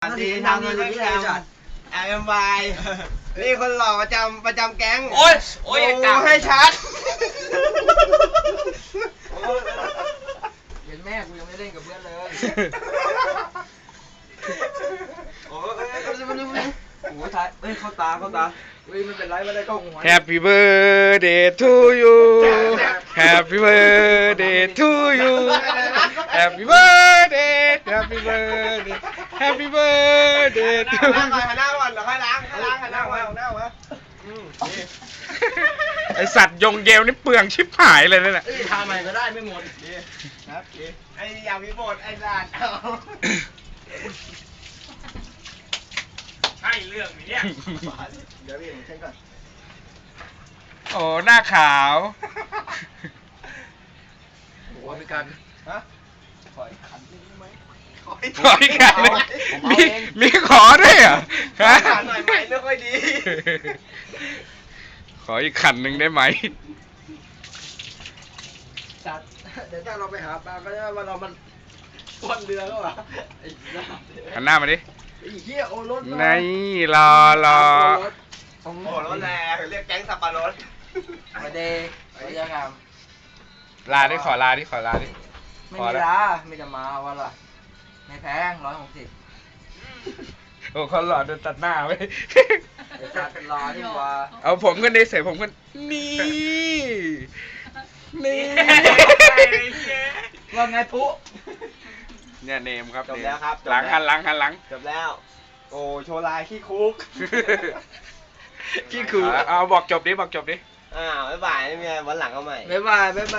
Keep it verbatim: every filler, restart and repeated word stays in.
สดีทำเลยที่จัดแอมวายนี่คนหล่อประจำประจำแก๊งโอ้ยโอ้ยดูให้ชัดเห็นแม่กูยังไม่เล่นกับเพื่อนเลยโอ้ยโอ้ยท้ายเฮ้ยเข้าตาเข้าตาเฮ้ยมันเป็นไรไม่ได้กล้องหัว Happy birthday to you Happy birthday to you Happy birthday Happy birthday Happy birthday to หันหน้าก่อนหันหน้าก่อนเดี๋ยวค่อยล้างค่อยล้างหันหน้ามาหันหน้ามาอืมนี่ไอสัตว์ยงเยลนี่เปลืองชิบหายเลยนั่นแหละทำใหม่ก็ได้ไม่หมดดีครับดีไอ้ยาวิโบดไอ้ลานเอาใช่เรื่องนี้เนี่ยเดี๋ยวพี่ผมเช็คก่อนโอ้หน้าขาวโอ้มีการฮะขออีกขันนึงได้ไหมขออีกขออีกอันหนึ่งมีมีขอด้วยเหรอฮะขันหน่อยไหมไม่ค่อยดีขออีกขันหนึ่งได้ไหมจัดเดี๋ยวถ้าเราไปหาปลาก็จะว่าเรามันต้นเรือก็วะไอ้สัสหันหน้ามาดิไอ้เหี้ยโอรสนี่รอรอโอ้รถแรงเรียกแก๊งสับปะรดไม่ได้ไม่ได้งามลาดิขอลาดิขอลาดิไม่พอมีแล้วลาไม่จะมาวันละไม่แพงร้อยหกสิบโอ้เขาหล่อโดนตัดหน้าไว้ไอ้ชาเป็นรอที่ว่าเอาผมกันดิเสร็จผมกันนี่ นี่ว่าไงปุ๊เนี่ยเนมครับจบแล้วครับหลังหันหลังหันหลังจบแล้ว โอ้โชว์ลายขี้คุกขี้คือเอาบอกจบดิบอกจบดิอ้าวบ๊ายบายไม่มีอะไรวันหลังเอาใหม่บ๊ายบายบ๊ายบาย